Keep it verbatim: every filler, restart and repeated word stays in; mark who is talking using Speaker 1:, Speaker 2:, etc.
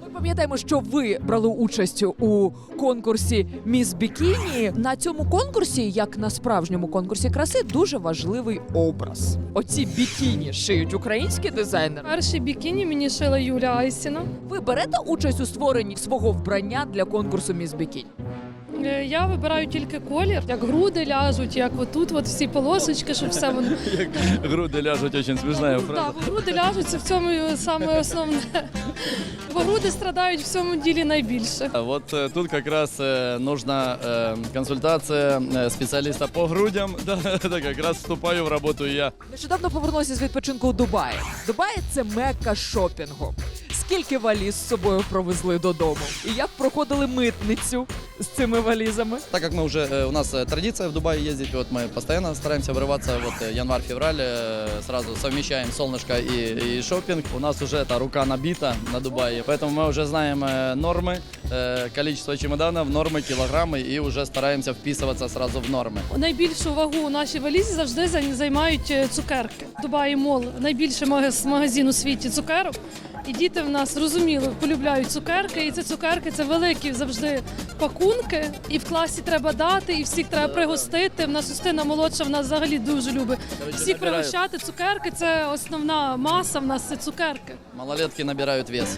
Speaker 1: Ми пам'ятаємо, що ви брали участь у конкурсі «Міс Бікіні». На цьому конкурсі, як на справжньому конкурсі краси, дуже важливий образ. Оці бікіні шиють українські дизайнери.
Speaker 2: Перший бікіні мені шила Юля Айсіна.
Speaker 1: Ви берете участь у створенні свого вбрання для конкурсу «Міс Бікіні»?
Speaker 2: Е, Я вибираю тільки колір, як груди ляжуть, як отут, от всі полосочки, щоб все воно.
Speaker 3: Як груди ляжуть, дуже смішна фраза.
Speaker 2: Так, бо груди ляжуть, це в цьому саме основне. Бо груди страдають в цьому ділі найбільше.
Speaker 3: Вот э, тут как раз э, нужна э, консультация э, специалиста по грудям. Да, это как раз вступаю в работу я.
Speaker 1: Нещодавно повернувся з відпочинку у Дубаї. Дубай – це мекка шопінгу. Скільки валіз з собою провезли додому? І як проходили митницю з цими валізами?
Speaker 3: Так как мы уже, э, у нас э, традиция в Дубае ездить, вот мы постоянно стараемся врываться, вот э, январь-февраль, э, сразу совмещаем солнышко и, и шопинг. У нас уже эта рука набита на Дубае, поэтому мы уже знаем э, нормы, э, количество чемоданов, нормы, килограммы и уже стараемся вписываться сразу в нормы.
Speaker 2: Найбільшу вагу у нашій валізі завжди зай- займають е, цукерки. Дубаї Мол – найбільший магаз- магазин у світі цукерок. І діти в нас, зрозуміло, полюбляють цукерки. І ці цукерки – це великі завжди пакунки. І в класі треба дати, і всіх треба пригостити. В нас Устина молодша, в нас взагалі дуже любить всіх
Speaker 3: набирають.
Speaker 2: пригощати. Цукерки – це основна маса, в нас це цукерки.
Speaker 3: Малолетки набирают вес.